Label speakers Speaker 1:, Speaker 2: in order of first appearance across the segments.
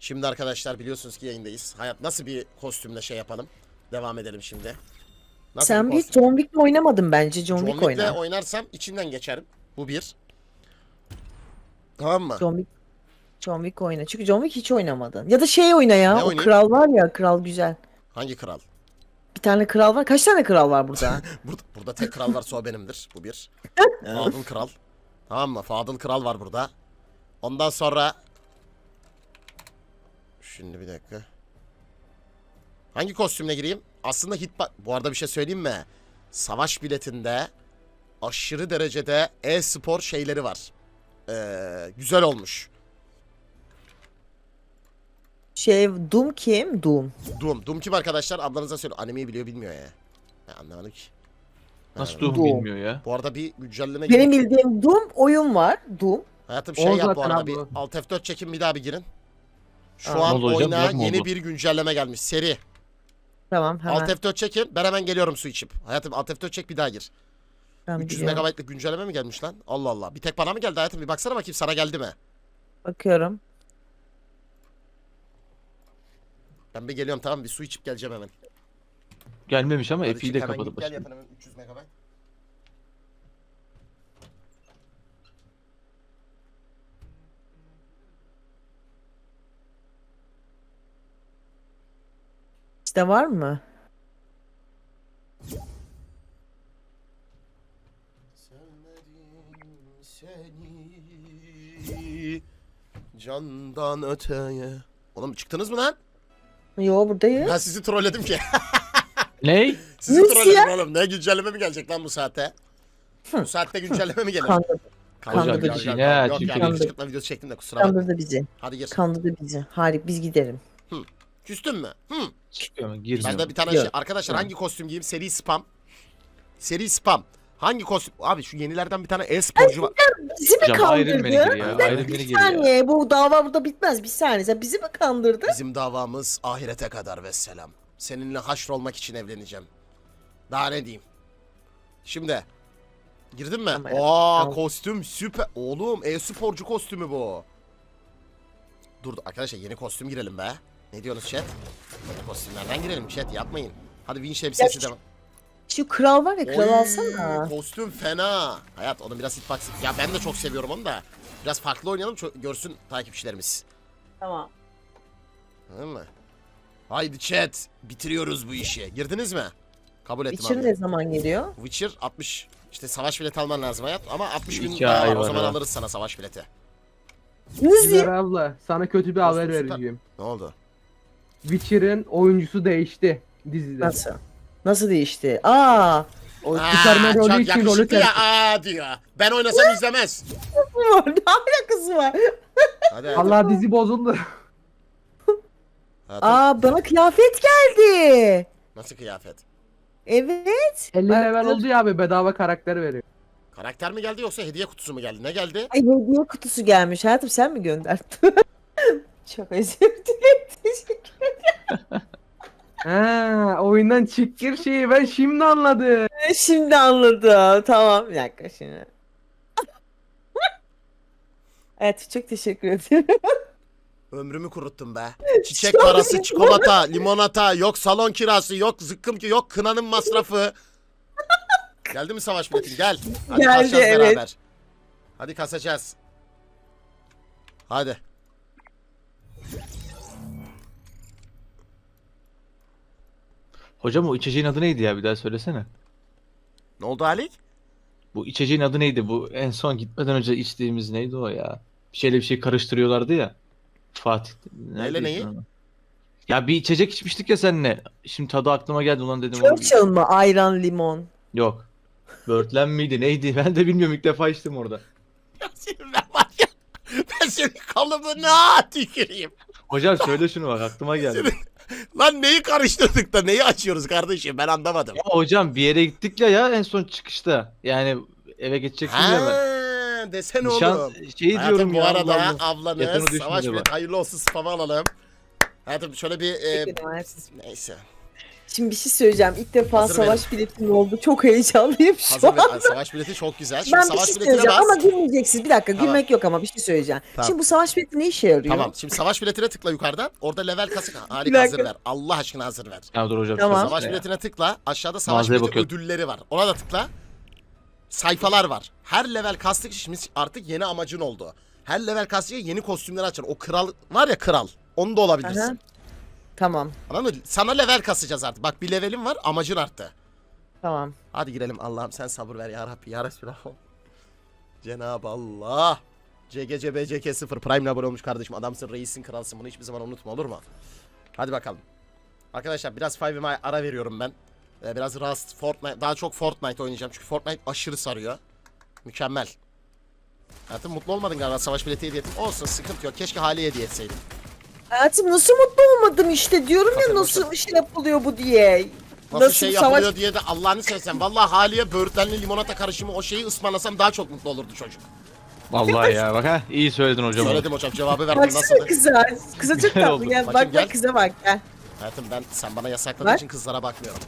Speaker 1: Şimdi arkadaşlar biliyorsunuz ki yayındayız. Hayat nasıl bir kostümle şey yapalım? Devam edelim şimdi. Nasıl
Speaker 2: Sen
Speaker 1: bir
Speaker 2: bir
Speaker 1: kostüm?
Speaker 2: John Wick oynamadın bence. John
Speaker 1: John
Speaker 2: Wick
Speaker 1: Wick'le
Speaker 2: oyna.
Speaker 1: oynarsam içinden geçerim. Bu bir. Tamam mı?
Speaker 2: John Wick oyna. Çünkü John Wick hiç oynamadın. Ya da şey oyna ya.
Speaker 1: Ne
Speaker 2: O
Speaker 1: oynayayım?
Speaker 2: kral var ya. Kral güzel.
Speaker 1: Hangi kral?
Speaker 2: Bir tane kral var. Kaç tane kral var burada?
Speaker 1: Burada tek kral varsa o benimdir. Bu bir. Fadıl kral. Tamam mı? Fadıl kral var burada. Ondan sonra... Şimdi bir dakika. Hangi kostümle gireyim? Aslında bu arada bir şey söyleyeyim mi? Savaş biletinde aşırı derecede e-spor şeyleri var. Güzel olmuş.
Speaker 2: Doom kim? Doom.
Speaker 1: Doom kim arkadaşlar? Ablanıza söyle. Animeyi biliyor bilmiyor ya. Ben anlamadım ki.
Speaker 3: Nasıl
Speaker 1: Anlamadım.
Speaker 3: Doom
Speaker 2: Doom.
Speaker 3: bilmiyor ya?
Speaker 1: Bu arada bir güncelleme
Speaker 2: Benim
Speaker 1: gibi.
Speaker 2: bildiğim Doom oyun var. Doom.
Speaker 1: Hayatım
Speaker 4: O
Speaker 1: şey yap bu
Speaker 4: zaten
Speaker 1: arada
Speaker 4: abi
Speaker 1: bir
Speaker 4: o.
Speaker 1: Alt F4 çekin bir daha bir girin. Şu
Speaker 2: Aa,
Speaker 1: an
Speaker 3: ne oldu hocam?
Speaker 1: oyuna
Speaker 3: Bug mı
Speaker 1: yeni
Speaker 3: oldu?
Speaker 1: bir güncelleme gelmiş. Seri.
Speaker 2: Tamam hemen.
Speaker 1: Alt F4 çekin. Ben hemen geliyorum su içip. Hayatım Alt F4 çek bir daha gir.
Speaker 2: Ben
Speaker 1: 300
Speaker 2: biliyorum.
Speaker 1: megabaytlık güncelleme mi gelmiş lan? Allah Allah. Bir tek bana mı geldi hayatım? Bir baksana bakayım sana geldi mi?
Speaker 2: Bakıyorum.
Speaker 1: Ben bir geliyorum tamam bir su içip geleceğim hemen.
Speaker 3: Gelmemiş ama
Speaker 1: Hadi
Speaker 3: F'yi
Speaker 1: çık,
Speaker 3: de
Speaker 1: hemen
Speaker 3: kapadı
Speaker 1: git, gel
Speaker 3: başka.
Speaker 1: yapın hemen 300 megabayt.
Speaker 2: İşte var mı?
Speaker 1: Sevmedim seni candan öteye. Oğlum çıktınız mı lan?
Speaker 2: Yo buradayız.
Speaker 1: Ben sizi trolledim ki.
Speaker 3: Ney?
Speaker 1: Sizi
Speaker 2: Nasıl
Speaker 1: trolledim
Speaker 2: ya?
Speaker 1: oğlum. Ne güncelleme mi gelecek lan bu saatte? Bu saatte güncelleme mi gelir?
Speaker 2: Kandırdı.
Speaker 1: Kandırdı
Speaker 2: Hocam,
Speaker 1: bizi.
Speaker 3: yine ya,
Speaker 1: Yok
Speaker 3: çünkü-
Speaker 1: yani
Speaker 2: Kandırdı.
Speaker 1: kışkırtma videosu çektim de kusura bakma.
Speaker 2: Kandırdı bizi.
Speaker 1: Hadi gir.
Speaker 2: Kandırdı bizi. Harika biz gidelim.
Speaker 1: Küstün mü?
Speaker 3: Çıkıyor mu? Girmiyor.
Speaker 1: Ben de bir tane
Speaker 2: Yok.
Speaker 1: şey. Arkadaşlar hangi kostüm giyeyim? Seri spam. Seri spam. Hangi kostüm? Abi şu yenilerden bir tane e-sporcu var.
Speaker 2: Bizi mi
Speaker 3: Hocam Iron Man'e
Speaker 2: kandırdı?
Speaker 3: gir ya.
Speaker 2: Bir
Speaker 3: Iron
Speaker 2: dakika,
Speaker 3: Man'e
Speaker 2: bir
Speaker 3: gir ya.
Speaker 2: saniye. Bu dava burada bitmez. Bir saniye. Sen bizi mi kandırdı?
Speaker 1: Bizim davamız ahirete kadar vesselam. Seninle haşrolmak için evleneceğim. Daha ne diyeyim? Şimdi. Girdin mi?
Speaker 2: Ama ya,
Speaker 1: Aa
Speaker 2: tamam.
Speaker 1: kostüm süper. Oğlum e-sporcu kostümü bu. Dur arkadaşlar yeni kostüm girelim be. Ne diyorsunuz chat? Yeni kostümlerden girelim chat yapmayın. Hadi Winch elbisesi
Speaker 2: Ya
Speaker 1: devam.
Speaker 2: Şu kral var ya kral
Speaker 1: Oy,
Speaker 2: alsana.
Speaker 1: kostüm fena. Hayat onun biraz hitbox. Ya ben de çok seviyorum onu da. Biraz farklı oynayalım görsün takipçilerimiz.
Speaker 2: Tamam.
Speaker 1: Anladın mı? Haydi chat. Bitiriyoruz bu işi. Girdiniz mi? Kabul ettim
Speaker 2: Witcher
Speaker 1: abi.
Speaker 2: ne zaman geliyor?
Speaker 1: Witcher 60. İşte savaş bileti alman lazım hayat. Ama 60 gün
Speaker 3: 2
Speaker 1: daha
Speaker 3: ay
Speaker 1: var. O
Speaker 3: var
Speaker 1: zaman
Speaker 3: ha.
Speaker 1: alırız sana savaş bileti.
Speaker 2: Nasıl?
Speaker 4: Güler abla sana kötü bir haber
Speaker 1: Süper.
Speaker 4: vereceğim.
Speaker 1: Ne oldu?
Speaker 4: Witcher'ın oyuncusu değişti dizide.
Speaker 2: Nasıl? Nasıl değişti? Aa!
Speaker 4: O
Speaker 1: Aa,
Speaker 4: Superman rolü
Speaker 1: çok
Speaker 4: için rolü
Speaker 1: yakışıklı
Speaker 4: terk
Speaker 1: ya. Aa diyor. Ben oynasam izlemez.
Speaker 2: Ne alakası var?
Speaker 1: Hadi hayatım.
Speaker 4: Allah dizi bozuldu.
Speaker 1: Hayatım,
Speaker 2: Aa bana kıyafet geldi.
Speaker 1: nasıl kıyafet?
Speaker 2: Evet.
Speaker 4: 50
Speaker 2: Bak,
Speaker 4: level
Speaker 2: dur.
Speaker 4: oldu ya abi bedava karakter veriyor.
Speaker 1: Karakter mi geldi yoksa hediye kutusu mu geldi? Ne geldi?
Speaker 2: Ay hediye kutusu gelmiş. Hayatım sen mi gönderdin? Çok özür dilerim. Teşekkür
Speaker 4: Ha, oyundan çıkır şeyi ben şimdi anladım.
Speaker 2: ederim. Şimdi anladım. Tamam bir dakika şimdi. Evet çok teşekkür ederim.
Speaker 1: Ömrümü kuruttum be. Çiçek parası, çikolata, limonata, yok salon kirası, yok zıkkım ki, yok kınanın masrafı. Geldi mi savaş biletin? Gel. Hadi
Speaker 2: Geldi,
Speaker 1: kasacağız
Speaker 2: evet.
Speaker 1: beraber. Hadi kasacağız. Hadi.
Speaker 3: Hocam o içeceğin adı neydi ya? Bir daha söylesene.
Speaker 1: Ne oldu Halik?
Speaker 3: Bu içeceğin adı neydi? Bu en son gitmeden önce içtiğimiz neydi o ya? Bir şeyle bir şey karıştırıyorlardı ya. Fatih.
Speaker 1: Neyle
Speaker 3: neredeydi
Speaker 1: neyi?
Speaker 3: o? Ya bir içecek içmiştik ya seninle. Şimdi tadı aklıma geldi ulan dedim. onu-
Speaker 2: Churchill mı? Ayran limon.
Speaker 3: Yok. Börtlen miydi neydi? Ben de bilmiyorum ilk defa içtim orada.
Speaker 1: Ya senin ben var ya. Ben senin kalıbına tüküreyim.
Speaker 3: Hocam söyle şunu bak aklıma geldi.
Speaker 1: Lan neyi karıştırdık da neyi açıyoruz kardeşim ben anlamadım.
Speaker 3: Ya hocam bir yere gittik ya en son çıkışta. Yani eve geçeceksin ya ben.
Speaker 1: Ha, desene
Speaker 3: Nişan
Speaker 1: oğlum.
Speaker 3: şey
Speaker 1: Hayatım
Speaker 3: diyorum
Speaker 1: bu
Speaker 3: ya.
Speaker 1: arada
Speaker 3: Allah Allah.
Speaker 1: ablanız
Speaker 3: Yakını düşmedi
Speaker 1: savaş
Speaker 3: bak.
Speaker 1: bileti hayırlı olsun spamı alalım. Hayatım şöyle bir
Speaker 2: Teşekkür ederim.
Speaker 1: neyse.
Speaker 2: Şimdi bir şey söyleyeceğim. İlk defa
Speaker 1: Hazır
Speaker 2: savaş biletim oldu. Çok heyecanlıyım şu
Speaker 1: Hazır
Speaker 2: an.
Speaker 1: ver. Savaş bileti çok güzel. Şimdi
Speaker 2: Ben bir
Speaker 1: savaş
Speaker 2: şey
Speaker 1: biletine
Speaker 2: söyleyeceğim
Speaker 1: bas.
Speaker 2: ama gülmeyeceksiniz. Bir dakika
Speaker 1: Tamam.
Speaker 2: gülmek yok ama bir şey söyleyeceğim.
Speaker 1: Tamam.
Speaker 2: Şimdi bu savaş bileti ne işe yarıyor?
Speaker 1: Tamam. Şimdi savaş biletine tıkla yukarıdan. Orada level kasık.
Speaker 2: Bir
Speaker 1: Harika, hazır
Speaker 2: dakika.
Speaker 1: ver. Allah aşkına hazır ver.
Speaker 3: Ya dur hocam.
Speaker 2: Tamam.
Speaker 3: şurası
Speaker 1: Savaş
Speaker 3: ya.
Speaker 1: biletine tıkla. Aşağıda savaş
Speaker 3: Mağazaya
Speaker 1: bileti
Speaker 3: bakıyorum.
Speaker 1: ödülleri var. Ona da tıkla. Sayfalar var. Her level kastık şimdi artık yeni amacın oldu. Her level kastıkça yeni kostümler açar. O kral var ya, kral. Onu da olabilirsin.
Speaker 2: Aha. Tamam.
Speaker 1: Anladın mı? Sana level kasacağız artık. Bak bir levelin var, amacın arttı.
Speaker 2: Tamam.
Speaker 1: Hadi girelim, Allah'ım sen sabır ver ya Rabbi ya Resulallah. Cenab-ı Allah. CGCBCK0 Prime'le abone olmuş kardeşim. Adamsın, reisin, kralsın. Bunu hiçbir zaman unutma, olur mu? Hadi bakalım. Arkadaşlar biraz 5M'e ara veriyorum ben. Biraz Rust, Fortnite, daha çok Fortnite oynayacağım. Çünkü Fortnite aşırı sarıyor. Mükemmel. Hayatım mutlu olmadın galiba, savaş bileti hediye ettim. Olsun, sıkıntı yok. Keşke Hali'ye hediye etseydim.
Speaker 2: Hayatım nasıl mutlu olmadım işte diyorum ya
Speaker 1: Bakın,
Speaker 2: nasıl şey yapılıyor bu diye.
Speaker 1: Nasıl şey
Speaker 2: savaş-
Speaker 1: yapılıyor diye de Allah'ını seversen. Vallahi Hali'ye böğürtlenli limonata karışımı o şeyi ısmarlasam daha çok mutlu olurdu çocuk.
Speaker 3: Vallahi ya bak ha iyi söyledin hocam.
Speaker 1: Söyledim hocam, cevabı verdim.
Speaker 2: Baksana
Speaker 1: Nasıldı?
Speaker 2: kıza. Kıza çok
Speaker 3: Güzel
Speaker 2: tatlı
Speaker 3: oldu.
Speaker 2: gel.
Speaker 1: Bakayım,
Speaker 2: Bak
Speaker 1: gel.
Speaker 2: bak kıza bak gel.
Speaker 1: Hayatım ben, sen bana yasakladığın
Speaker 2: Bak.
Speaker 1: için kızlara bakmıyorum.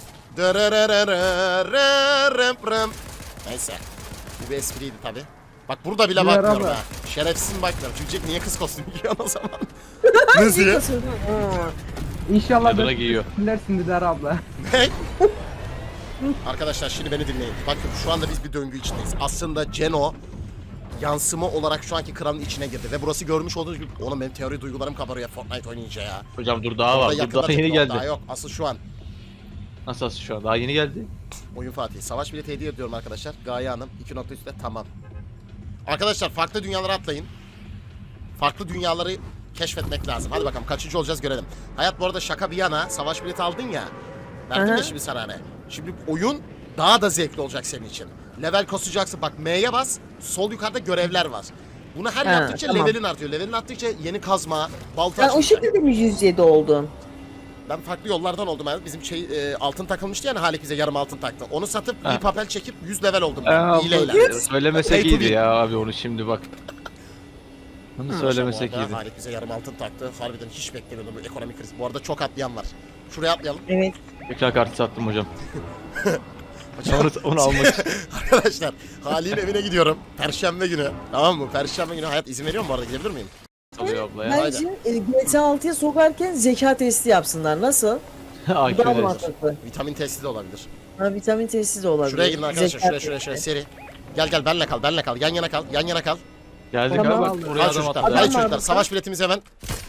Speaker 1: Neyse. Bu bir espriydi tabi. Bak burada bile
Speaker 4: Merhaba.
Speaker 1: bakmıyorum ha. Şerefsiz bakmıyorum. Çünkü Jack niye kız kostümü giyiyor o zaman? Ne diye?
Speaker 2: Hı.
Speaker 4: İnşallah
Speaker 3: Yadına giyiyor.
Speaker 4: dersin Dilara abla.
Speaker 1: Ne? Arkadaşlar şimdi beni dinleyin. Bakın şu anda biz bir döngü içindeyiz. Aslında Ceno yansıma olarak şu anki kralın içine girdi. Ve burası görmüş olduğunuz gibi... Oğlum benim teori duygularım kabarıyor Fortnite oynayınca ya.
Speaker 3: Hocam dur daha
Speaker 1: Orada
Speaker 3: var. Dur
Speaker 1: yakında
Speaker 3: daha yeni
Speaker 1: tıkla,
Speaker 3: geldi.
Speaker 1: Daha yok. Asıl şu an.
Speaker 3: Nasıl şu an? Daha yeni geldi.
Speaker 1: Oyun Fatih. Savaş bileti hediye ediyorum arkadaşlar. Gaye Hanım 2.3'te tamam. Arkadaşlar farklı dünyalara atlayın. Farklı dünyaları keşfetmek lazım. Hadi bakalım kaçıncı olacağız görelim. Hayat bu arada şaka bir yana, savaş bileti aldın ya. Verdim
Speaker 2: Aha.
Speaker 1: ya şimdi sana hani. Şimdi oyun daha da zevkli olacak senin için. Level kasacaksın. Bak M'ye bas. Sol yukarıda görevler var. Bunu her
Speaker 2: Ha,
Speaker 1: yaptıkça
Speaker 2: tamam.
Speaker 1: levelin artıyor. Levelin arttıkça yeni kazma, balta
Speaker 2: Sen o
Speaker 1: açılacak.
Speaker 2: şekilde mi 107 oldun?
Speaker 1: Ben farklı yollardan oldum. Yani bizim altın takılmıştı yani, Halik bize yarım altın taktı. Onu satıp
Speaker 3: Ha.
Speaker 1: bir papel çekip 100 level oldum ben. Hileyle.
Speaker 3: Söylemesek
Speaker 1: Pay to
Speaker 3: iyiydi
Speaker 1: win.
Speaker 3: ya abi onu şimdi bak. Onu söylemesek
Speaker 1: Bu arada
Speaker 3: iyiydi.
Speaker 1: Halik bize yarım altın taktı. Harbiden hiç beklemiyordum bu ekonomik kriz. Bu arada çok atlayan var. Şuraya atlayalım.
Speaker 2: Evet.
Speaker 3: Ekran kartı sattım hocam.
Speaker 1: Hocam,
Speaker 3: Onu almak için.
Speaker 1: arkadaşlar Halik'in evine gidiyorum. Perşembe günü. Tamam mı? Perşembe günü hayat izin veriyor mu bu arada? Gidebilir miyim?
Speaker 3: Alıyor abla ya.
Speaker 2: Bence GTA 6'ya sokarken zeka testi yapsınlar. Nasıl? Bu daha
Speaker 3: AQ'ler.
Speaker 2: mantıklı.
Speaker 1: Vitamin testi de olabilir.
Speaker 2: Ha, vitamin testi de olabilir.
Speaker 1: Şuraya gidin arkadaşlar.
Speaker 2: Zeka
Speaker 1: Şuraya
Speaker 2: testi.
Speaker 1: seri. Gel benle kal. Yan yana kal. Yan yana kal.
Speaker 3: Geldik
Speaker 2: Tamam.
Speaker 3: abi bak buraya
Speaker 1: Hadi
Speaker 3: adam
Speaker 1: çocuklar.
Speaker 3: attı.
Speaker 1: Hadi
Speaker 2: Adam var
Speaker 1: çocuklar.
Speaker 2: burada.
Speaker 1: Savaş biletimiz hemen.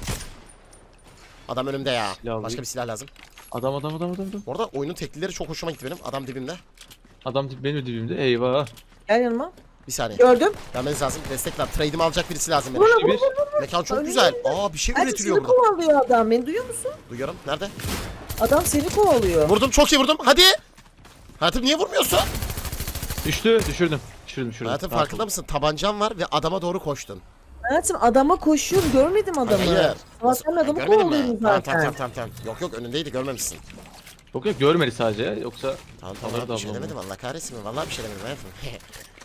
Speaker 1: Adam önümde ya.
Speaker 3: Silah alayım.
Speaker 1: Başka bir silah lazım.
Speaker 3: Adam.
Speaker 1: Bu arada oyunun teklileri çok hoşuma gitti benim. Adam dibimde.
Speaker 3: Adam benim dibimde. Eyvah.
Speaker 2: Gel yanıma.
Speaker 1: Bir saniye.
Speaker 2: Gördüm.
Speaker 1: Gelmeniz lazım. Destek var. Trade'imi alacak birisi lazım benim.
Speaker 3: İşte bir.
Speaker 1: Mekan çok
Speaker 2: Öyle
Speaker 1: güzel. Aa bir şey
Speaker 2: Hadi
Speaker 1: üretiliyor
Speaker 2: seni
Speaker 1: burada.
Speaker 2: kovalıyor adam. Beni duyuyor musun?
Speaker 1: Duyuyorum. Nerede?
Speaker 2: Adam seni kovalıyor.
Speaker 1: Vurdum. Çok iyi vurdum. Hadi. Hayatım niye vurmuyorsun?
Speaker 3: Düştü. Düşürdüm.
Speaker 1: Hayatım
Speaker 3: Rahat
Speaker 1: farkında
Speaker 3: ol.
Speaker 1: mısın? Tabancan var ve adama doğru koştun.
Speaker 2: Hayatım adama koşuyorum. Görmedim adamı.
Speaker 1: Hayır.
Speaker 2: Sabahtan adamı
Speaker 1: Görmedin mi?
Speaker 2: kovalıyordum
Speaker 1: Tamam,
Speaker 2: zaten.
Speaker 1: tamam. Yok önündeydi, görmemişsin.
Speaker 3: Yok görmedi sadece ya. Yoksa
Speaker 1: Tamam
Speaker 3: Alır da
Speaker 1: bir şey
Speaker 3: ablam.
Speaker 1: demedim, Allah kahretsin mi? Vallahi bir şey demedim hayatım.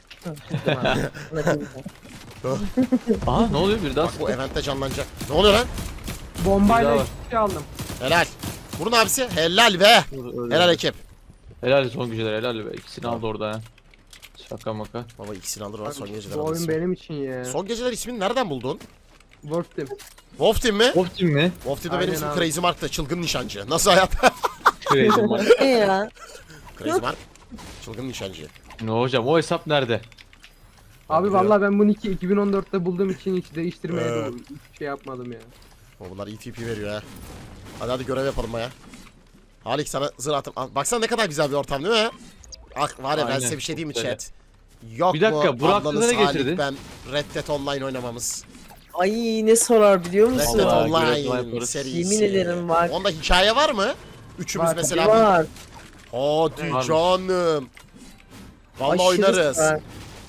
Speaker 3: aha ne oluyor bir daha
Speaker 1: Bak bu eventte canlanacak. Ne oluyor lan?
Speaker 4: Bombayla
Speaker 3: Dilara var.
Speaker 4: iki şey aldım.
Speaker 1: Helal. Vurun abisi. Helal be. Helal ekip.
Speaker 3: Helal son güceler helal be. İkisini aldı orada ha. Şaka maka.
Speaker 1: Baba ikisini alır lan son geceler
Speaker 4: Bu oyun
Speaker 1: alırsın.
Speaker 4: benim için ya.
Speaker 1: Son geceler ismini nereden buldun?
Speaker 4: Worth Team.
Speaker 1: Wolf Team mi?
Speaker 3: Of team mi?
Speaker 1: Wolf Team'de benim
Speaker 4: Aynen
Speaker 1: ismim
Speaker 4: abi.
Speaker 1: Crazy Mark'ta. Çılgın nişancı. Nasıl hayat?
Speaker 3: Crazy man.
Speaker 2: Ne ya?
Speaker 1: Crazy Mark. Çılgın nişancı.
Speaker 3: Ne hocam o hesap nerede?
Speaker 4: Abi
Speaker 1: Biliyorum.
Speaker 4: vallahi ben bunu 2014'te bulduğum için hiç değiştirmeye de
Speaker 1: Evet.
Speaker 4: hiç şey yapmadım ya.
Speaker 1: O bunlar ETP veriyor ha. Hadi görev yapalım ya. Halik sana zırh atım. Al, baksana ne kadar güzel bir ortam değil mi? Ah var ya ben
Speaker 3: Aynen,
Speaker 1: size bir şey diyeyim mi
Speaker 3: çok güzel.
Speaker 1: chat? Yok
Speaker 3: Bir dakika,
Speaker 1: mu
Speaker 3: Burak
Speaker 1: ablanız
Speaker 3: aklına ne
Speaker 1: Halik,
Speaker 3: getirdi?
Speaker 1: ben Red Dead Online oynamamız.
Speaker 2: Ay ne sorar biliyor
Speaker 1: Red
Speaker 2: musun?
Speaker 1: Dead
Speaker 3: Vallahi
Speaker 1: Online
Speaker 3: görev yaparız.
Speaker 1: serisi.
Speaker 2: Yemin ederim var.
Speaker 1: Onda hikaye var mı? Üçümüz
Speaker 4: Var,
Speaker 1: mesela.
Speaker 2: Var.
Speaker 1: Hadi
Speaker 3: Varmış.
Speaker 1: canım. Vallahi
Speaker 2: Aşırı
Speaker 1: oynarız.
Speaker 2: var.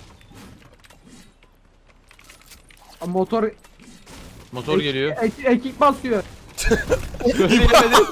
Speaker 4: Motor
Speaker 3: Motor geliyor.
Speaker 4: ekip basıyor.
Speaker 3: Söyleyemedim.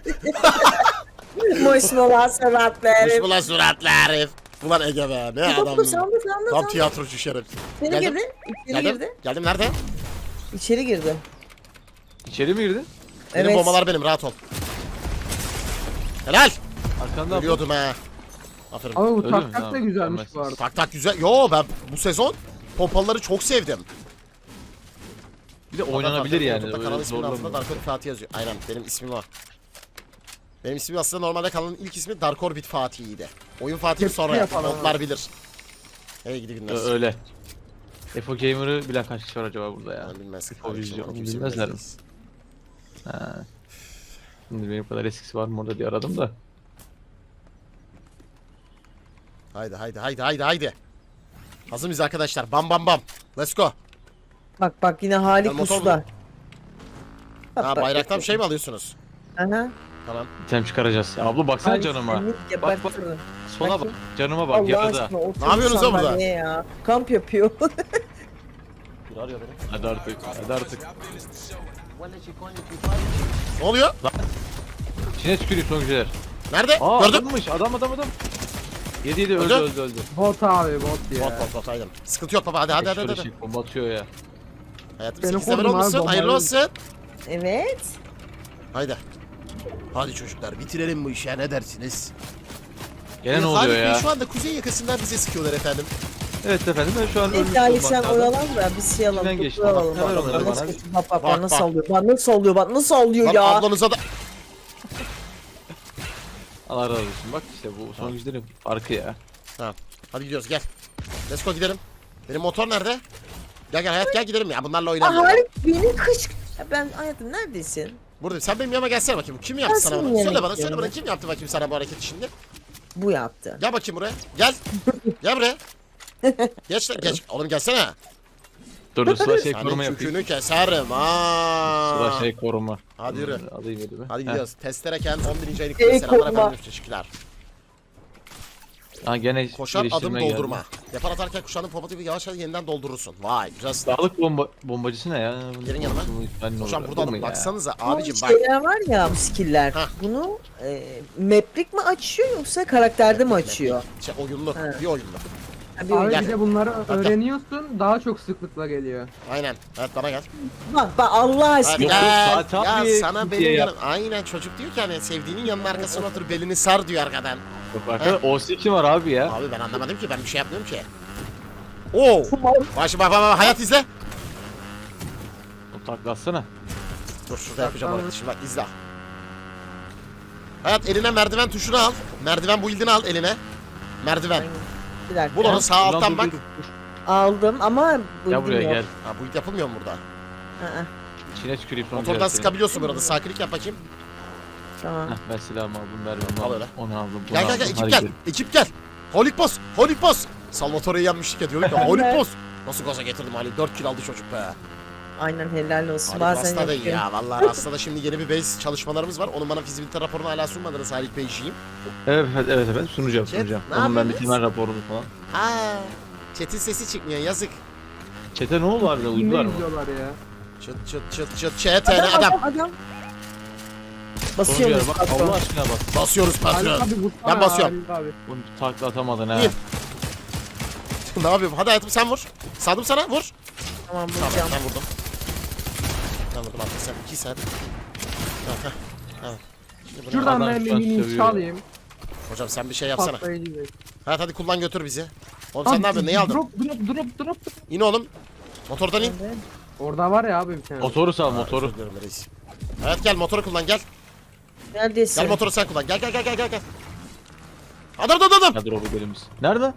Speaker 2: Moşmola sanatları.
Speaker 1: Hoş bulan suratlı herif. Ulan Ege be ne
Speaker 2: Dur
Speaker 1: adam.
Speaker 2: sandı
Speaker 1: Tam tiyatrocu şeref.
Speaker 2: Seni
Speaker 1: Geldim.
Speaker 2: girdi. İçeri girdi.
Speaker 1: Geldim nerede?
Speaker 2: İçeri girdi.
Speaker 3: İçeri mi girdi?
Speaker 1: Benim
Speaker 2: Evet.
Speaker 1: bombalar benim, rahat ol. Helal.
Speaker 3: Arkanda bu.
Speaker 1: Ölüyordum ha. Aferin.
Speaker 4: Abi bu
Speaker 3: Öyle mi?
Speaker 4: tak tak da
Speaker 3: Tamam,
Speaker 4: güzelmiş bu
Speaker 3: tamam.
Speaker 4: arada.
Speaker 1: Tak tak güzel. Yo ben bu sezon pompalıları çok sevdim.
Speaker 3: Bir de oynanabilir yani.
Speaker 1: YouTube'da
Speaker 3: öyle
Speaker 1: kanal isminin altında
Speaker 3: zorlamıyor.
Speaker 1: Dark Orbit Fatih yazıyor. Aynen benim ismim o. Benim ismim aslında normalde kanalın ilk ismi Dark Orbit Fatih'iydi. Oyun Fatih'i
Speaker 4: Tepki
Speaker 1: sonra yaptım.
Speaker 4: yapalım
Speaker 1: Modlar bilir. Hey gidi günler.
Speaker 3: Öyle. Efo Gamer'ı bilen kaç kişi var acaba burada ya?
Speaker 1: Ben bilmez.
Speaker 3: O vizyon,
Speaker 1: Kardeşim, kimse
Speaker 3: bilmezler mi?
Speaker 1: bilmez.
Speaker 3: Ha. Şimdi benim kadar eskisi var mı orada diye aradım da.
Speaker 1: Haydi haydi haydi haydi haydi. Hazır mıyız arkadaşlar? Bam bam bam. Let's go.
Speaker 2: Bak bak yine Halik
Speaker 1: Ben motor
Speaker 2: usta. Bak,
Speaker 1: Ha
Speaker 2: bak,
Speaker 1: bayraktan
Speaker 2: bak.
Speaker 1: şey mi alıyorsunuz?
Speaker 2: Aha.
Speaker 1: Tamam.
Speaker 3: İtem çıkaracağız. Ya abla baksana
Speaker 2: Halik
Speaker 3: canıma.
Speaker 2: seni
Speaker 3: Bak bak.
Speaker 2: gebertirim.
Speaker 3: Sola bak.
Speaker 2: Bakayım.
Speaker 3: Canıma bak
Speaker 2: Allah
Speaker 3: yarıda.
Speaker 2: aşkına otur
Speaker 1: Ne yapıyorsunuz lan burada?
Speaker 2: sandalyeye ya? Kamp yapıyor.
Speaker 1: Bir arıyor beni.
Speaker 3: Hadi artık. Hadi artık.
Speaker 1: Ne oluyor?
Speaker 3: İçine tükürüyor son güzeler.
Speaker 1: Nerede?
Speaker 3: Aa
Speaker 1: Gördün?
Speaker 3: adammış adam. Yedi
Speaker 1: Öldü.
Speaker 3: öldü.
Speaker 4: Bot abi bot ya.
Speaker 1: Bot bot aynen. Sıkıntı yok baba hadi hadi hadi. hadi.
Speaker 3: Bomba atıyor ya.
Speaker 1: Hayatım
Speaker 4: Beni
Speaker 1: 8 level
Speaker 4: korudun abi,
Speaker 1: olmuşsun. Hayırlı
Speaker 4: bombayı.
Speaker 1: olsun.
Speaker 2: Evet.
Speaker 1: Haydi. Hadi çocuklar bitirelim bu işi ne dersiniz?
Speaker 3: Gene ne oluyor
Speaker 1: Bey
Speaker 3: ya?
Speaker 1: şu anda kuzey yakasından bize sıkıyorlar efendim.
Speaker 3: Evet efendim ben şu an ölmüş
Speaker 2: Neyse Ali sen
Speaker 3: olmaktadır.
Speaker 2: oyalan da biz şey alalım.
Speaker 3: İçinden geçti.
Speaker 2: topu alalım.
Speaker 3: Bak, ver
Speaker 2: Bak,
Speaker 3: onları
Speaker 2: nasıl
Speaker 3: bana.
Speaker 2: geçti? Bak bak
Speaker 1: Bak,
Speaker 2: nasıl
Speaker 1: bak.
Speaker 2: alıyor. Bak nasıl alıyor. Bak nasıl alıyor
Speaker 1: Lan
Speaker 2: ya.
Speaker 1: ablanıza da...
Speaker 3: Allah razı olsun. Bak işte bu son güçlerin farkı ya.
Speaker 1: Tamam. Hadi gidiyoruz gel. Let's go gidelim. Benim motor nerede? Gel gel hayat gel gidelim ya bunlarla
Speaker 2: Aa,
Speaker 1: oynayalım.
Speaker 2: Halik beni kış... Ya ben hayatım neredesin?
Speaker 1: Buradayım. Sen benim yanıma gelsene bakayım. Kim yaptı
Speaker 2: Ben
Speaker 1: sana
Speaker 2: senin
Speaker 1: bunu?
Speaker 2: yanına
Speaker 1: Söyle bana
Speaker 2: gidiyorum.
Speaker 1: kim yaptı bakayım sana bu hareketi şimdi?
Speaker 2: Bu yaptı.
Speaker 1: Gel bakayım buraya. Gel. Gel buraya. Geç lan geç. Oğlum gelsene.
Speaker 3: Dur sıra şey
Speaker 1: Senin
Speaker 3: koruma yapayım.
Speaker 1: kükünü keserim ha.
Speaker 3: Sıra şey koruma.
Speaker 1: Hadi yürü.
Speaker 3: Alayım elime.
Speaker 1: Hadi
Speaker 3: Heh.
Speaker 1: gidiyoruz. Testereken 11. aylık
Speaker 2: Ey
Speaker 1: selamlar
Speaker 2: koruma.
Speaker 1: efendim. Teşekkürler.
Speaker 3: Ha gene
Speaker 1: Koşan adım
Speaker 3: geliştirme geldi.
Speaker 1: doldurma. Depar atarken kuşağının popotu gibi yavaş yavaş yeniden doldurursun. Vay güzel silah.
Speaker 3: Sağlık bombacısı ne ya?
Speaker 1: Gelin yanıma. Hocam burada alın. Baksanıza abicim
Speaker 2: bu
Speaker 1: bak.
Speaker 2: şeyler var ya bu skill'ler.
Speaker 1: Hah.
Speaker 2: Bunu maplik mi açıyor yoksa karakterde mi açıyor?
Speaker 1: Şey, oyunlu.
Speaker 2: Ha.
Speaker 1: Bir oyunlu.
Speaker 2: Ha, bir
Speaker 4: Abi
Speaker 2: oyun-
Speaker 1: Gel.
Speaker 4: bir de bunları
Speaker 1: gel.
Speaker 4: öğreniyorsun daha çok sıklıkla geliyor.
Speaker 1: Aynen. Evet bana gel.
Speaker 2: Bak Allah
Speaker 1: Hadi
Speaker 2: aşkına.
Speaker 1: gel.
Speaker 3: Fatih
Speaker 1: Ya
Speaker 3: abi,
Speaker 1: sana
Speaker 3: Türkiye
Speaker 1: benim
Speaker 3: ya.
Speaker 1: yanım. Aynen çocuk diyor ki hani sevdiğinin yanının arkasına otur belini sar diyor arkadan.
Speaker 3: Arkadaşlar OC kim var abi ya?
Speaker 1: Abi ben anlamadım ki ben bir şey yapmıyorum ki. Oo. Bak bak hayat izle.
Speaker 3: O taklatsana.
Speaker 1: Dur şurada yapacağım hareketi şimdi bak izle. Hayat eline merdiven tuşunu al. Merdiven build'ini al eline. Merdiven.
Speaker 2: Bir dakika.
Speaker 1: Bul onu sağ alttan
Speaker 3: Dur,
Speaker 1: bak.
Speaker 3: dur, dur.
Speaker 2: Aldım ama
Speaker 3: Gel buraya
Speaker 2: yok.
Speaker 3: gel.
Speaker 1: Ha build yapılmıyor mu burada?
Speaker 2: Aa,
Speaker 3: İçine tüküreyim son
Speaker 1: Motordan
Speaker 3: güzel seni.
Speaker 1: sıkabiliyorsun burada. Sağ klik yap bakayım.
Speaker 2: tamam.
Speaker 3: Heh, ben silahımı aldım, mermimi
Speaker 1: Al
Speaker 3: aldım.
Speaker 1: öyle.
Speaker 3: Onu aldım, bunu
Speaker 1: Gel gel
Speaker 3: aldım.
Speaker 1: gel ekip
Speaker 3: Hadi
Speaker 1: gel.
Speaker 3: gidelim.
Speaker 1: Ekip gel. Holik boss. Holik boss. Salvatore'yi yenmiştik ya diyorduk ya. Holik boss. Nasıl gaza getirdim Ali? 4 kill aldı çocuk be.
Speaker 2: Aynen helal olsun.
Speaker 1: Haluk
Speaker 2: Bazen
Speaker 1: Rasta da iyi
Speaker 2: yapıyorum.
Speaker 1: ya. Vallahi Rasta'da şimdi yeni bir base çalışmalarımız var. Onun bana fizibilite raporunu hala sunmadınız Haluk Beyciğim.
Speaker 3: Evet efendim sunacağım.
Speaker 1: Chat, ne
Speaker 3: Onun ben bir
Speaker 1: yapıyorsunuz?
Speaker 3: temel raporunu falan.
Speaker 1: Aa, chat'in sesi çıkmıyor yazık.
Speaker 3: Çete ne oldu harbiden, uydular
Speaker 4: Ne
Speaker 3: mı?
Speaker 4: izliyorlar ya?
Speaker 1: Çıt çıt çıt çıt chat adam.
Speaker 2: Adam.
Speaker 3: Sonuncu
Speaker 2: Basıyoruz
Speaker 3: yer bak,
Speaker 2: patron.
Speaker 3: Allah aşkına bak.
Speaker 1: Basıyoruz
Speaker 4: Haluk
Speaker 1: patron.
Speaker 4: abi vursana
Speaker 1: Ben basıyorum.
Speaker 4: Haluk abi.
Speaker 3: Bunu takla atamadın ha.
Speaker 1: İyi. Ne yapıyorum? Hadi hayatım sen vur. Sadım sana vur.
Speaker 2: Tamam
Speaker 1: Tamam
Speaker 2: bulacağım.
Speaker 1: ben vurdum. Ben vurdum artık sen 2 saat. Evet, heh. Evet. Şimdi bunu-
Speaker 4: Şuradan
Speaker 3: Adam
Speaker 4: ben
Speaker 3: şu an
Speaker 4: mini
Speaker 3: sövüyor.
Speaker 4: çalayım.
Speaker 1: Hocam sen bir şey yapsana.
Speaker 4: Patlayıcı değil.
Speaker 1: Evet hadi kullan götür bizi. Oğlum sen ne yapıyorsun? Neyi aldın?
Speaker 4: Drop.
Speaker 1: İn oğlum. Motordan in.
Speaker 4: Orada var ya abi bir tane.
Speaker 3: Motoru sal motoru.
Speaker 1: Özür dilerim reis. Evet gel motoru kullan gel.
Speaker 2: Neredesin?
Speaker 1: Gel motoru sen kullan. Gel. Adam.
Speaker 3: Hadi Robo gelimiz. Nerede?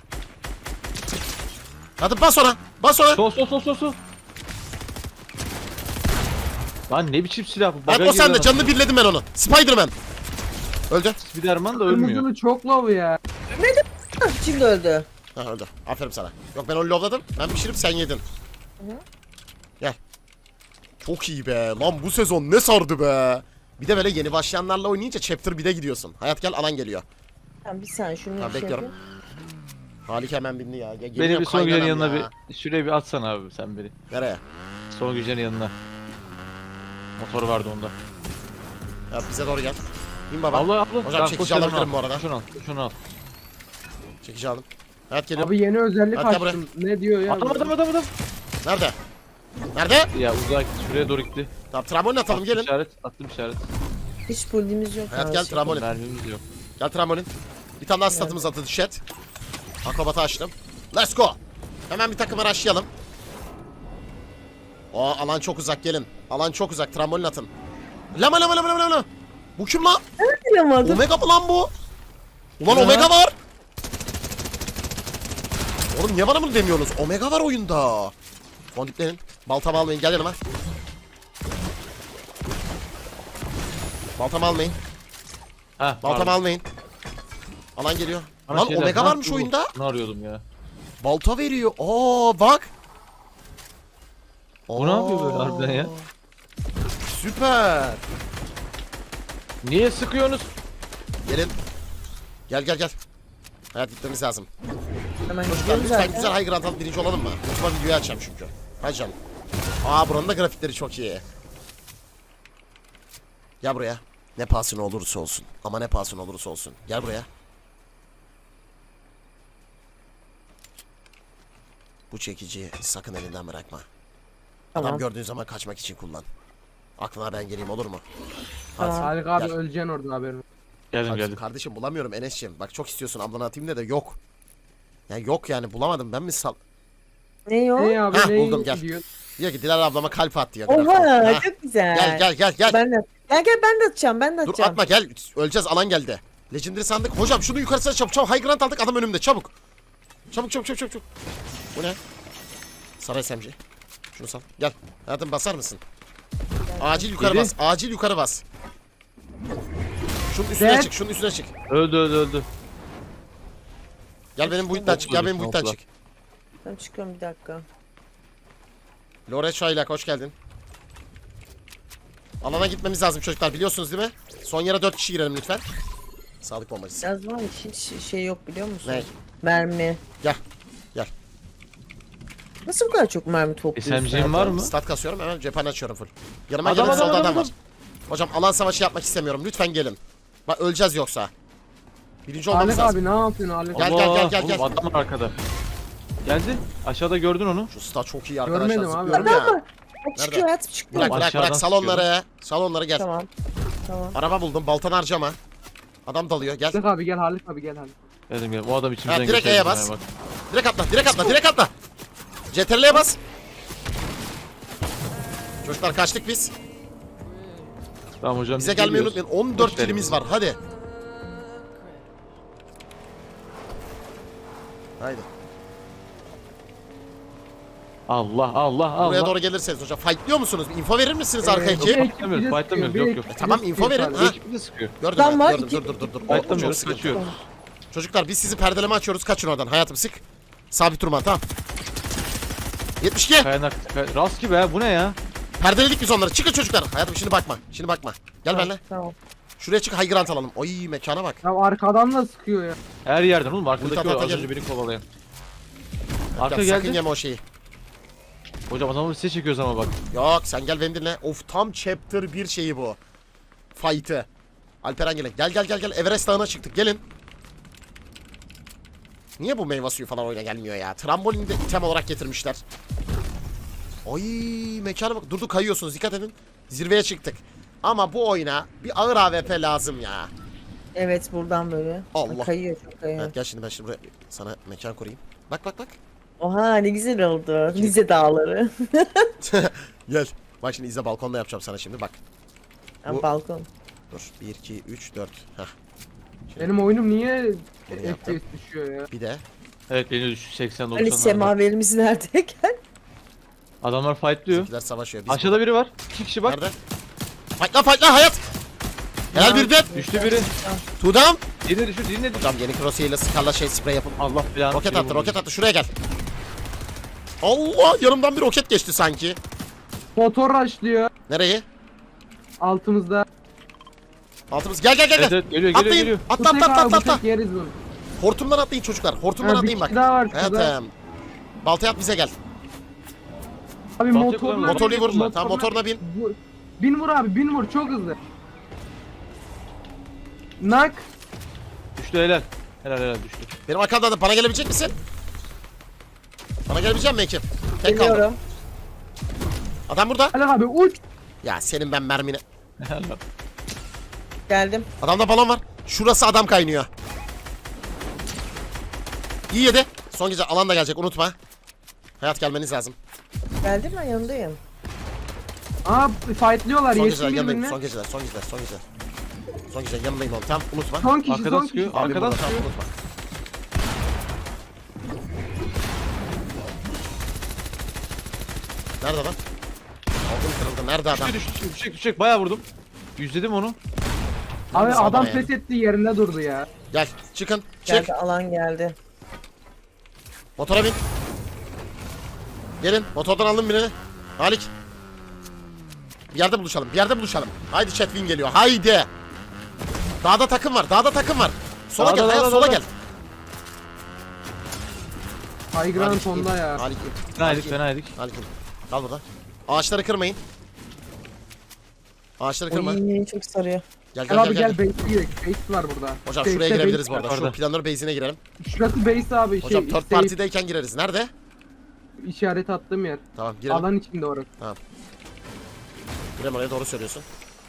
Speaker 1: Hadi bas ona. Bas ona.
Speaker 3: Sol. Lan ne biçim silah bu?
Speaker 1: Evet o sende canını birledim ben onu. Spiderman. Öldü.
Speaker 3: Spiderman da ölmüyor.
Speaker 4: Kırmızılı çok low ya.
Speaker 2: Hah, şimdi öldü.
Speaker 1: Ha öldü. Aferin sana. Yok ben onu lovladım. Ben pişirip sen yedin. Gel. Çok iyi be. Lan bu sezon ne sardı be. Bir de böyle yeni başlayanlarla oynayınca chapter 1'e gidiyorsun. Hayat gel alan geliyor.
Speaker 2: Tamam bir saniye şunu
Speaker 1: Tamam
Speaker 2: şey
Speaker 1: bekliyorum.
Speaker 2: yapayım.
Speaker 1: Halik hemen bindi ya. Ya
Speaker 3: Beni
Speaker 1: geliyorum,
Speaker 3: bir son gücenin
Speaker 1: kaynanam
Speaker 3: yanına
Speaker 1: ya.
Speaker 3: bir şuraya bir atsana abi sen beni.
Speaker 1: Nereye?
Speaker 3: Son gücenin yanına. Motor vardı onda.
Speaker 1: Ya bize doğru gel. İn baba.
Speaker 3: Abla.
Speaker 1: Hocam
Speaker 3: Tamam,
Speaker 1: çekici
Speaker 3: koş yanıma
Speaker 1: alabilirim
Speaker 3: al.
Speaker 1: bu arada.
Speaker 3: Şunu al.
Speaker 1: Çekici aldım. Hayat geliyorum.
Speaker 4: Abi yeni özellik
Speaker 1: Hatta
Speaker 4: açtım. Ne diyor ya?
Speaker 3: Adam.
Speaker 1: Nerede? Nerede?
Speaker 3: Ya uzak şuraya doğru gitti.
Speaker 1: Tamam trambolin atalım gelin.
Speaker 3: Attım işaret.
Speaker 2: Hiç bulduğumuz yok.
Speaker 1: Hayat
Speaker 2: abi.
Speaker 1: gel trambolin.
Speaker 3: Mermimiz yok.
Speaker 1: Gel trambolin. Bir tane daha statımız atıldı chat. Akrobatı açtım. Let's go. Hemen bir takım araştıralım. O alan çok uzak gelin. Alan çok uzak trambolin atın. Lama. Bu kim lan?
Speaker 2: Bilamadım.
Speaker 1: Omega mı lan bu? Ulan
Speaker 4: Ya.
Speaker 1: Omega var. Oğlum niye bana bunu demiyorsunuz? Omega var oyunda. Fondiplenin. Baltamı almayın gel yanıma. Baltamı almayın.
Speaker 3: Ha,
Speaker 1: Baltamı almayın. Alan geliyor.
Speaker 3: Bana
Speaker 1: Lan
Speaker 3: şeyler-
Speaker 1: Omega
Speaker 3: Ha,
Speaker 1: varmış
Speaker 3: bu.
Speaker 1: oyunda.
Speaker 3: Bunu arıyordum ya.
Speaker 1: Balta veriyor. Aa bak.
Speaker 3: O ne yapıyor böyle harbiden ya?
Speaker 1: Süper.
Speaker 3: Niye sıkıyorsunuz?
Speaker 1: Gelin. Gel. Hayat gitmemiz lazım.
Speaker 2: Hemen
Speaker 1: Çocuklar
Speaker 2: gidiyoruz
Speaker 1: lütfen
Speaker 2: zaten.
Speaker 1: güzel high ground alıp birinci olalım mı? Lütfen videoyu açacağım çünkü. Hadi canım. Aa buranın da grafikleri çok iyi. Gel buraya. Ne pahasına olursa olsun. Ama ne pahasına olursa olsun. Gel buraya. Bu çekiciyi sakın elinden bırakma. Adam
Speaker 2: Tamam.
Speaker 1: gördüğün zaman kaçmak için kullan. Aklına ben geleyim olur mu?
Speaker 2: Tamam.
Speaker 1: Hadi.
Speaker 4: Haluk abi
Speaker 1: Gel.
Speaker 4: öleceksin orada haberin.
Speaker 3: Geldim.
Speaker 1: Kardeşim bulamıyorum Enes'ciğim. Bak çok istiyorsun ablana atayım da yok. Yani yok yani bulamadım ben mi sal...
Speaker 2: Ne o?
Speaker 4: Ne abi
Speaker 1: Hah,
Speaker 4: ne
Speaker 1: buldum, gel.
Speaker 4: gidiyor?
Speaker 1: Diyor ki Dilara ablama kalp at diyor.
Speaker 2: Oha
Speaker 1: Ha,
Speaker 2: çok güzel.
Speaker 1: Gel.
Speaker 2: Ben de. Gel ben de atacağım. Ben de
Speaker 1: Dur
Speaker 2: atacağım.
Speaker 1: atma gel. Öleceğiz alan geldi. Legendary sandık. Hocam şunu yukarısına çabuk. High ground aldık adam önümde çabuk. Çabuk. Bu ne? Saray SMG. Şunu sal. Gel. Hayatım basar mısın? Acil yukarı
Speaker 3: Yedi.
Speaker 1: bas. Acil yukarı bas. Şunun üstüne
Speaker 4: Evet.
Speaker 1: çık. Şunun üstüne çık.
Speaker 3: Öldü.
Speaker 1: Gel benim boyuttan çık. Gel benim boyuttan
Speaker 3: Nokta.
Speaker 1: çık.
Speaker 2: Ben çıkıyorum bir dakika.
Speaker 1: Lore Çaylak hoş geldin. Alana gitmemiz lazım çocuklar biliyorsunuz değil mi? Son yere 4 kişi girelim lütfen. Sağlık bombacısı.
Speaker 2: Yaz var hiç şey yok biliyor musun?
Speaker 1: Ne?
Speaker 2: Mermi.
Speaker 1: Gel.
Speaker 2: Nasıl bu kadar çok mermi topluyorsun?
Speaker 3: SMG'in var mı?
Speaker 1: Stat kasıyorum hemen cephane açıyorum full. Yanıma
Speaker 3: Adam,
Speaker 1: gelin
Speaker 3: adam,
Speaker 1: solda adam
Speaker 3: adam,
Speaker 1: var. Hocam alan savaşı yapmak istemiyorum lütfen gelin. Bak öleceğiz yoksa. Birinci olmamız
Speaker 4: Haluk
Speaker 1: lazım.
Speaker 4: abi ne yapıyorsun Haluk?
Speaker 1: Gel,
Speaker 3: Allah,
Speaker 1: gel.
Speaker 3: oğlum adam var arkada. Geldi. Aşağıda gördün onu.
Speaker 1: Şu stat çok iyi arkadaşlar
Speaker 4: Görmedim abi.
Speaker 1: zıplıyorum
Speaker 2: Adam
Speaker 1: ya.
Speaker 2: var. Çıkıyor hayatım çıkıyor.
Speaker 1: Bırak
Speaker 3: Aşağıdan
Speaker 1: salonlara. Salonlara gel.
Speaker 2: Tamam.
Speaker 1: Araba buldum baltanı harcama. Adam dalıyor gel.
Speaker 4: Haluk abi gel Haluk abi gel Haluk.
Speaker 3: Geldim. O adam içimizden
Speaker 1: Ha, direkt
Speaker 3: geçerdi
Speaker 1: E'ye
Speaker 3: sana
Speaker 1: bas.
Speaker 3: bak.
Speaker 1: Direkt atla. CTRL'ye bas. Çocuklar kaçtık biz.
Speaker 3: Tamam hocam.
Speaker 1: Bize
Speaker 3: biz
Speaker 1: gelmeyi
Speaker 3: geliyoruz.
Speaker 1: unutmayın. 14
Speaker 3: Hoş
Speaker 1: kilimiz
Speaker 3: geldiniz.
Speaker 1: var hadi. Haydi.
Speaker 3: Allah.
Speaker 1: Buraya doğru gelirseniz hocam. Fightlıyor musunuz? Bir info verir misiniz arka
Speaker 4: bir
Speaker 1: ekip?
Speaker 4: ekip
Speaker 3: Fightlamıyoruz,
Speaker 4: bize
Speaker 3: fightlamıyoruz,
Speaker 4: sıkıyor,
Speaker 3: yok,
Speaker 4: bir
Speaker 3: yok.
Speaker 4: ekip
Speaker 1: Tamam,
Speaker 4: bize
Speaker 1: info
Speaker 4: sıkıyor
Speaker 1: verin,
Speaker 4: sadece.
Speaker 1: ha.
Speaker 3: Ekip de sıkıyor.
Speaker 1: Gördüm
Speaker 2: Lan var,
Speaker 1: gördüm.
Speaker 2: iki-
Speaker 1: Dur. O çok
Speaker 3: Fightlamıyoruz,
Speaker 1: sıkıntı.
Speaker 3: kaçıyoruz.
Speaker 1: Çocuklar biz sizi perdeleme açıyoruz. Kaçın oradan. Hayatım sık. Sabit durma tamam. 72.
Speaker 3: Kayanak. Rast gibi ha bu ne ya?
Speaker 1: Perdeledik biz onları. Çıkın çocuklar. Hayatım şimdi bakma. Gel benimle.
Speaker 2: Tamam.
Speaker 1: Şuraya çık high ground alalım. Oy mekana bak.
Speaker 4: Ya arkadan da sıkıyor ya.
Speaker 3: Her yerden oğlum
Speaker 1: Ulti
Speaker 3: arkadaki
Speaker 1: ata
Speaker 3: o az
Speaker 1: gel.
Speaker 3: önce beni kovalayan.
Speaker 1: Gel,
Speaker 3: Arka
Speaker 1: sakın
Speaker 3: geldi.
Speaker 1: yeme o şeyi.
Speaker 3: Hocam adamı size çekiyoruz ama bak.
Speaker 1: Yok sen gel beni dinle. Of tam chapter 1 şeyi bu. Fight'ı. Alperen gel. Gel. Everest Dağı'na çıktık. Gelin. Niye bu meyve suyu falan oyuna gelmiyor ya? Trambolini de item olarak getirmişler. Ay mekana bak. Durduk kayıyorsunuz dikkat edin. Zirveye çıktık. Ama bu oyuna bir ağır AWP lazım ya.
Speaker 2: Evet buradan böyle.
Speaker 1: Allah.
Speaker 2: Kayıyor çok kayıyor.
Speaker 1: Evet gel şimdi ben buraya sana mekan kurayım. Bak.
Speaker 2: Oha ne güzel oldu. Rize dağları.
Speaker 1: Gel. Bak şimdi izle balkonda yapacağım sana şimdi bak.
Speaker 2: Ha,
Speaker 1: Bu-
Speaker 2: balkon.
Speaker 1: Dur 1 2 3 4. Heh.
Speaker 4: Benim oyunum niye
Speaker 1: Bunu yaptım.
Speaker 4: FPS düşüyor ya?
Speaker 1: Bir de
Speaker 3: Evet beni düş 80
Speaker 2: Ali
Speaker 3: 90'larda.
Speaker 2: semaverimiz nerede? Gel.
Speaker 3: Adamlar fightlıyor.
Speaker 1: bizimkiler savaşıyor. Biz
Speaker 3: Aşağıda biri var. 2 kişi bak.
Speaker 1: nerede? Fightla hayat. Helal bir de.
Speaker 3: Düştü biri.
Speaker 1: Tudam.
Speaker 3: Diğerine düşür, diğerine düşür.
Speaker 1: Hocam yeni crosshair ile skarla sprey yapın.
Speaker 3: Allah belanı.
Speaker 1: Roket attı şuraya gel. Allah yanımdan bir roket geçti sanki.
Speaker 4: Motor rushlıyor
Speaker 1: Nereyi?
Speaker 4: altımızda.
Speaker 1: Altımız gel.
Speaker 3: Evet, geliyor.
Speaker 1: Atlayın.
Speaker 4: Bu tek abi, bu
Speaker 1: Atla.
Speaker 4: tek yeriz bunu.
Speaker 1: Hortumdan atlayın çocuklar. Hortumdan
Speaker 4: Ha, bir
Speaker 1: atlayın bak.
Speaker 4: kişi daha var şurada.
Speaker 1: Evet. Baltaya at bize gel.
Speaker 4: Abi
Speaker 3: Baltayı
Speaker 4: motorla.
Speaker 3: kullanma.
Speaker 1: Motorlu vur. Tamam motoruna bin.
Speaker 4: Bin vur abi bin vur çok hızlı. Nak.
Speaker 3: Düştü helal. Helal düştü.
Speaker 1: Benim arkamda da bana gelebilecek misin? Bana gelebilecek mi ekip? Tek kaldım.
Speaker 2: Geliyorum.
Speaker 1: Adam burada.
Speaker 4: Hadi abi uç.
Speaker 1: Ya senin ben mermine.
Speaker 2: Geldim.
Speaker 1: Adamda balon var. Şurası adam kaynıyor. İyi yedi. Son gece alan da gelecek unutma. Hayat gelmeniz lazım.
Speaker 2: Geldim ben yanındayım.
Speaker 4: Aa fightlıyorlar.
Speaker 1: Son
Speaker 4: Yesin
Speaker 1: geceler yanındayım.
Speaker 4: birbirine.
Speaker 1: Son geceler, son geceler, son geceler. Son geceler yanındayım oğlum. Tamam unutma.
Speaker 4: Son kişi
Speaker 3: Arkadan
Speaker 4: son
Speaker 3: sıkıyor.
Speaker 4: kişi.
Speaker 1: Abi
Speaker 3: Arkadan
Speaker 1: burada, tamam,
Speaker 3: sıkıyor.
Speaker 1: unutma. Nerede lan? Aldım kırıldı. Nerede adam?
Speaker 3: Düşecek. Bayağı vurdum. Yüzledim onu.
Speaker 4: Abi
Speaker 1: Nasıl
Speaker 4: adam
Speaker 1: ama yani?
Speaker 4: pes etti yerinde durdu ya.
Speaker 1: Gel çıkın. Çık.
Speaker 2: Geldi alan geldi.
Speaker 1: Motora bin. Gelin. Motordan aldım birini. Halik. Bir yerde buluşalım. Bir yerde buluşalım. Haydi Chatwin geliyor. Haydi. Dağda takım var. Dağda takım var. Sola
Speaker 3: Dağda,
Speaker 1: gel. Hayat
Speaker 3: dağda,
Speaker 1: sola
Speaker 3: dağda.
Speaker 1: gel.
Speaker 4: High ground
Speaker 1: Halik,
Speaker 4: sonda
Speaker 1: in.
Speaker 4: ya.
Speaker 1: Halik.
Speaker 3: Fena yedik.
Speaker 1: Halik. Kal burada. Ağaçları kırmayın. Ağaçları kırma.
Speaker 2: Oy çok sarıyor.
Speaker 1: Gel
Speaker 4: Gel
Speaker 1: gel
Speaker 4: abi
Speaker 1: gel.
Speaker 4: gel base'e gidelim. Base var burada.
Speaker 1: Hocam
Speaker 4: Base'te
Speaker 1: şuraya girebiliriz
Speaker 4: base
Speaker 1: bu arada.
Speaker 4: var.
Speaker 1: Şu
Speaker 3: Orada.
Speaker 1: planör base'ine girelim.
Speaker 4: Şurası base abi
Speaker 1: Hocam third
Speaker 4: safe
Speaker 1: party'deyken gireriz. Nerede?
Speaker 4: işaret attığım yer.
Speaker 1: Tamam girelim.
Speaker 4: Alan içinde orası.
Speaker 1: Girelim oraya doğru söylüyorsun.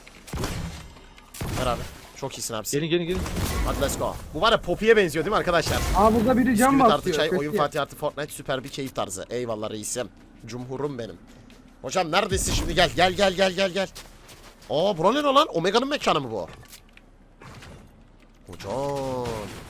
Speaker 1: Ver abi. Çok iyisin abi.
Speaker 3: Gelin.
Speaker 1: Hadi let's go. Bu var ya Poppy'ye benziyor değil mi arkadaşlar?
Speaker 4: Aa burada biri cam
Speaker 1: Bisküvit artı
Speaker 4: basıyor.
Speaker 1: çay,
Speaker 4: Kötü
Speaker 1: oyun
Speaker 4: ya.
Speaker 1: Fatih artı Fortnite süper bir keyif tarzı. Eyvallah reisim. Cumhurum benim. Hocam neredesin şimdi? Gel. Aa bura ne lan? Omega'nın mekanı mı bu? Hocam.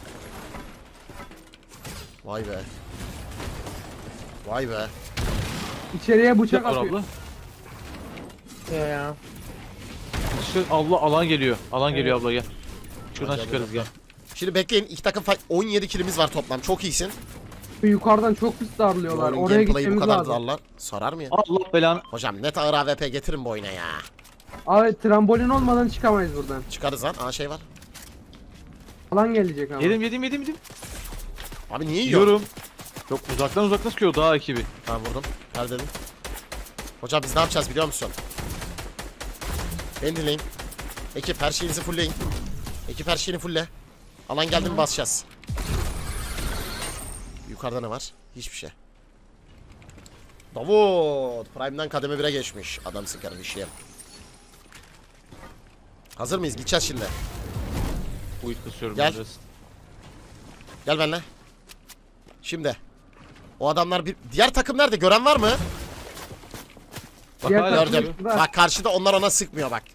Speaker 1: Vay be. Vay be.
Speaker 4: İçeriye bıçak
Speaker 3: Var
Speaker 4: atıyor.
Speaker 3: abla.
Speaker 2: Diyor ya.
Speaker 3: Allah alan geliyor. Alan geliyor abla gel. Şuradan
Speaker 1: Gel,
Speaker 3: çıkarız
Speaker 1: gel.
Speaker 3: gel.
Speaker 1: Şimdi bekleyin. İki takım fight. 17 kilimiz var toplam. Çok iyisin.
Speaker 4: Yukarıdan çok pis darlıyorlar.
Speaker 1: Oyunun
Speaker 4: Oraya
Speaker 1: gameplay'i bu
Speaker 4: gitmemiz
Speaker 1: kadar
Speaker 4: lazım.
Speaker 1: darlar. Sarar mı ya?
Speaker 3: Allah belanı.
Speaker 1: Hocam net ağır AWP getirin bu oyuna ya.
Speaker 4: Abi trambolin olmadan çıkamayız buradan.
Speaker 1: Çıkarız lan. Aa şey var.
Speaker 4: Alan gelecek ama.
Speaker 3: Yedim.
Speaker 1: Abi niye yiyor?
Speaker 3: Yiyorum. Çok uzaktan sıkıyor daha ekibi.
Speaker 1: Tamam vurdum. Ver dedim. Hocam biz ne yapacağız biliyor musun? Beni dinleyin. Ekip her şeyinizi fullleyin. Ekip her şeyini fullle. Alan geldi mi basacağız. Yukarıda ne var? Hiçbir şey. Davut. Prime'dan kademe 1'e geçmiş. Adamsın kardeşim. Hazır mıyız? Gideceğiz şimdi.
Speaker 3: Uyut kısıyorum
Speaker 1: Gel.
Speaker 3: biraz.
Speaker 1: Gel benimle. Şimdi. O adamlar bir... Diğer takım nerede? Gören var mı?
Speaker 3: Bak
Speaker 4: Diğer
Speaker 3: hala
Speaker 4: takım-
Speaker 1: Gördüm.
Speaker 4: Var.
Speaker 1: Bak karşıda onlar ona sıkmıyor bak.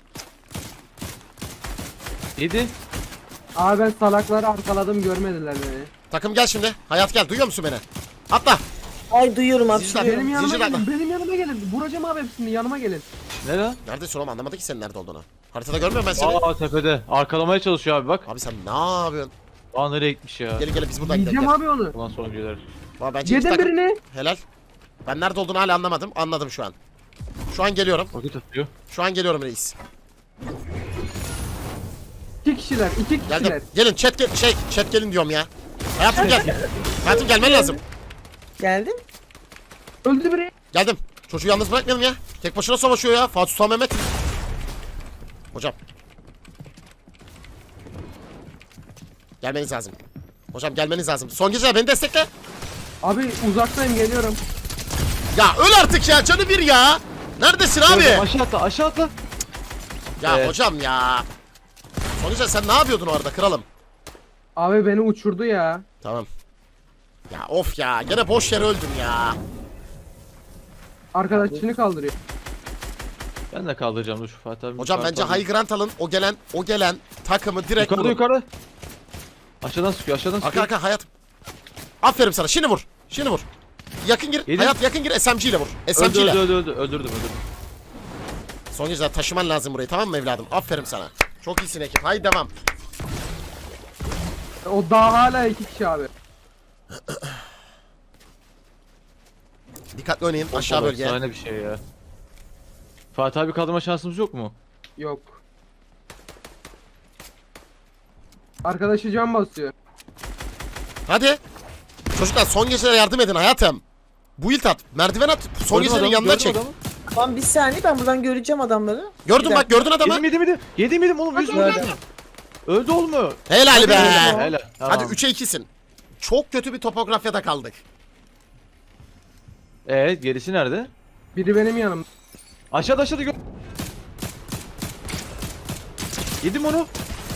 Speaker 3: Yedi.
Speaker 4: Abi ben salakları arkaladım görmediler beni.
Speaker 1: Takım gel şimdi. Hayat gel. Duyuyor musun beni? Atla.
Speaker 2: Ay duyuyorum
Speaker 1: Zicler,
Speaker 2: hapşırıyorum.
Speaker 4: Benim yanıma
Speaker 1: Zincirler
Speaker 4: gelin. Benim yanıma gelin. Vuracağım abi hepsini yanıma gelin.
Speaker 3: Ne lan?
Speaker 1: Neredesin oğlum? Anlamadı ki senin nerede olduğunu. Haritada görmüyorum ben seni.
Speaker 3: Aa tepede. Arkalamaya çalışıyor abi bak.
Speaker 1: Abi sen ne yapıyorsun?
Speaker 3: Aa nereye gitmiş ya?
Speaker 1: Gelin biz buradan gidelim.
Speaker 4: Yiyeceğim
Speaker 1: Gel.
Speaker 4: abi onu.
Speaker 3: Ulan sonuncular.
Speaker 1: Valla bence iki
Speaker 4: Yedim
Speaker 1: takım...
Speaker 4: birini.
Speaker 1: Helal. Ben nerede olduğunu hala anlamadım. Anladım şu an. Şu an geliyorum.
Speaker 3: Roket atıyor.
Speaker 1: Şu an geliyorum reis.
Speaker 4: 2 kişiler. 2 kişiler.
Speaker 1: Geldim. Gelin chat gel chat gelin diyorum ya. Hayatım gel. Hayatım gelmen lazım.
Speaker 2: Geldim.
Speaker 4: Öldü biri.
Speaker 1: Geldim. Çocuğu yalnız bırakmayalım ya. Tek başına savaşıyor ya. Fatih Sultan Mehmet. Hocam. Gelmeniz lazım. Hocam gelmeniz lazım. Son gece beni destekle.
Speaker 4: Abi uzaktayım geliyorum.
Speaker 1: Ya öl artık ya. Canı bir ya. Neredesin abi?
Speaker 3: Aşağı atla.
Speaker 1: Ya
Speaker 3: Evet.
Speaker 1: hocam ya. Son gece sen ne yapıyordun orada kralım?
Speaker 4: Abi beni uçurdu ya.
Speaker 1: Tamam. Ya of ya. Gene boş yere öldüm ya.
Speaker 4: Arkadaşını kaldırıyor.
Speaker 3: Ben de kaldıracağım dur şu Fatih abi.
Speaker 1: Hocam bence high ground alın. O gelen takımı direkt vurun.
Speaker 3: Yukarıda. Aşağıdan sıkıyor.
Speaker 1: Arka arka hayat. Aferin sana. Şimdi vur. Şimdi vur. Yakın gir.
Speaker 3: Yedim.
Speaker 1: Hayat yakın gir. SMG ile vur. SMG ile.
Speaker 3: Öldürdüm. Öldürdüm.
Speaker 1: Son geceler taşıman lazım burayı, tamam mı evladım? Aferin sana. Çok iyisin ekip. Haydi devam.
Speaker 4: O daha hala 2 kişi abi.
Speaker 1: Dikkatli oynayın. Aşağı bölge.
Speaker 3: Sahne bir şey ya. Fatih abi kaldırma şansımız yok mu?
Speaker 4: Yok. Arkadaşı can basıyor.
Speaker 1: Hadi. Çocuklar son geceler yardım edin hayatım. Build at. Merdiven at. Son gecelerin yanına çek.
Speaker 2: Tamam bir saniye ben buradan göreceğim adamları.
Speaker 1: Gördün
Speaker 2: Bir
Speaker 1: bak gördün adamı.
Speaker 3: Yedim oğlum. Yüz
Speaker 2: Gördüm.
Speaker 3: Öldü oğlum.
Speaker 1: Helal be.
Speaker 3: Helal.
Speaker 1: Hadi 3'e 2'sin. Çok kötü bir topografyada kaldık.
Speaker 3: Gerisi nerede?
Speaker 4: Biri benim yanım.
Speaker 3: Aşağıda gör. Yedim onu.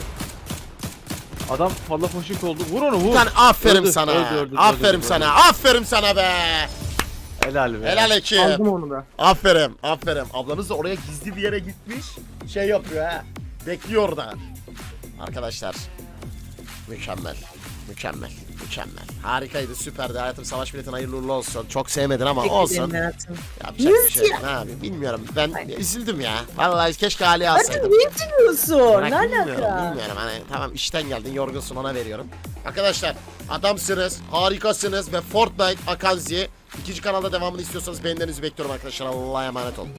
Speaker 3: Adam falla foşik oldu. Vur onu vur.
Speaker 1: Lan aferin
Speaker 3: Öldü,
Speaker 1: sana.
Speaker 3: öldü,
Speaker 1: Aferin
Speaker 3: öldü,
Speaker 1: sana.
Speaker 3: öldü.
Speaker 1: Aferin sana be.
Speaker 3: Helal be.
Speaker 1: Helal ekip.
Speaker 4: Aldım onu da.
Speaker 1: Aferin. Aferin. Ablanız da oraya gizli bir yere gitmiş. Şey yapıyor ha. Bekliyor orada. Arkadaşlar. Mükemmel. Mükemmel. Mükemmel. Harikaydı. Süperdi. Hayatım savaş biletin hayırlı uğurlu olsun. Çok sevmedin ama
Speaker 2: Teşekkür
Speaker 1: olsun.
Speaker 2: ederim hayatım.
Speaker 1: Yapacak bir şey yok. Ne yapayım bilmiyorum. Ben üzüldüm ya. Vallahi keşke Ali alsaydım.
Speaker 2: Hayatım niye üzülüyorsun?
Speaker 1: Bırak,
Speaker 2: Ne
Speaker 1: bilmiyorum,
Speaker 2: alaka?
Speaker 1: bilmiyorum hani tamam işten geldin yorgunsun ona veriyorum. Arkadaşlar adamsınız, harikasınız ve Fortnite Akanzi ikinci kanalda devamını istiyorsanız beğenilerinizi bekliyorum arkadaşlar. Allah'a emanet olun.